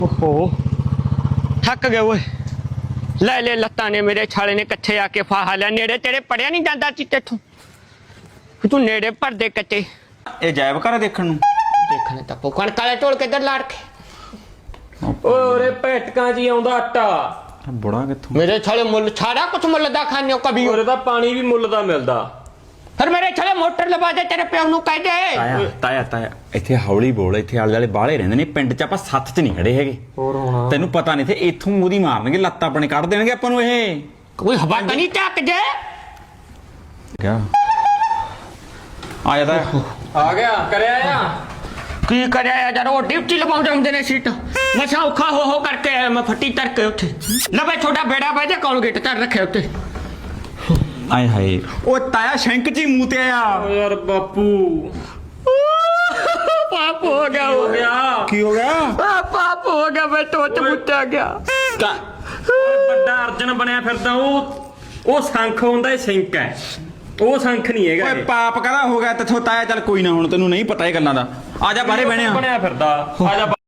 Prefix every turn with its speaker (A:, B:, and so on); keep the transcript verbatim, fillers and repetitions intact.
A: ओहो थक गए वो ले ले लत्ता ने मेरे छाले ने कच्चे आके फाहा लिया नेड़े तेरे पड़िया नहीं जाता सी तेथों तू नेड़े भर दे कच्चे
B: ਇਹ ਜਾਇਬ ਘਰ ਦੇਖਣ ਨੂੰ
A: देखने तक कण काले टोल के इधर लाड़ के
C: ਓਰੇ ਭੇਟਕਾਂ ਜੀ ਆਉਂਦਾ ਆਟਾ
B: ਬੁੜਾ ਕਿੱਥੋਂ
A: मेरे छाले मुल छाड़ा कुछ मुल दा खाने कभी
C: ਓਰੇ ਦਾ ਪਾਣੀ ਵੀ ਮੁੱਲ ਦਾ ਮਿਲਦਾ
A: फिर मेरे छाले मोटर लगा दे तेरे प्यो नु कह दे
B: ਤਾਇਆ ਤਾਇਆ ਤਾਇਆ ਇੱਥੇ ਹੌਲੀ ਬੋਲ ਇੱਥੇ ਆਲੇ ਵਾਲੇ ਬਾਹਲੇ ਰਹਿੰਦੇ ਨੇ ਪਿੰਡ 'ਚ ਆਪਾਂ ਸੱਤ 'ਚ ਨਹੀਂ ਖੜੇ ਹੈਗੇ
C: ਹੋਰ ਹੋਣਾ
B: ਤੈਨੂੰ ਪਤਾ ਨਹੀਂ ਤੇ ਇੱਥੋਂ ਉਹਦੀ ਮਾਰਨਗੇ ਲੱਤ ਆਪਣੇ ਕੱਢ ਦੇਣਗੇ ਆਪਾਂ ਨੂੰ ਇਹ
A: कोई हवा तो नहीं टक जे
B: ਕਿਆ ਆ ਜਾ ਤਾਇਆ
C: ਆ ਗਿਆ ਕਰਿਆ ਆ
A: की करे यार वो ड्यूटी लगाउंदे हुंदे ने सीट मसा औखा हो हो करके आया मैं फट्टी तर के उठे लबे छोटा बेड़ा बाजे कोलगेट तर रखे उते
B: ਆਏ ਹਾਏ ਉਹ ਤਾਇਆ ਸ਼ੈਂਕ 'ਚ ਹੀ ਮੂੰਹ ਤੇ ਆਇਆ
C: ਓ ਯਾਰ ਬਾਪੂ
A: पाप हो गया हो गया
C: ਗਿਆ
B: ਕੀ ਹੋ ਗਿਆ
A: आ, पाप हो गया मैं टोच मुट्टा गया
C: ਵੱਡਾ ਅਰਜਨ ਬਣਿਆ ਫਿਰਦਾ ਉਹ ਉਹ ਸੰਖ ਹੁੰਦਾ ਇਹ ਸਿੰਕ ਹੈ ਉਹ ਸੰਖ ਨਹੀਂ ਹੈਗਾ
B: ਓਏ
C: ਇਹ।
B: ਪਾਪ ਕਦਾ ਹੋ ਗਿਆ ਤੇਥੋਂ ਤਾਇਆ ਚੱਲ ਕੋਈ ਨਾ ਹੁਣ ਤੈਨੂੰ ਨਹੀਂ ਪਤਾ ਇਹ ਗੱਲਾਂ ਦਾ ਆ ਜਾ ਬਾਹਰੇ ਬਹਿਣੇ ਆ
C: ਬਣਿਆ ਫਿਰਦਾ ਆ ਜਾ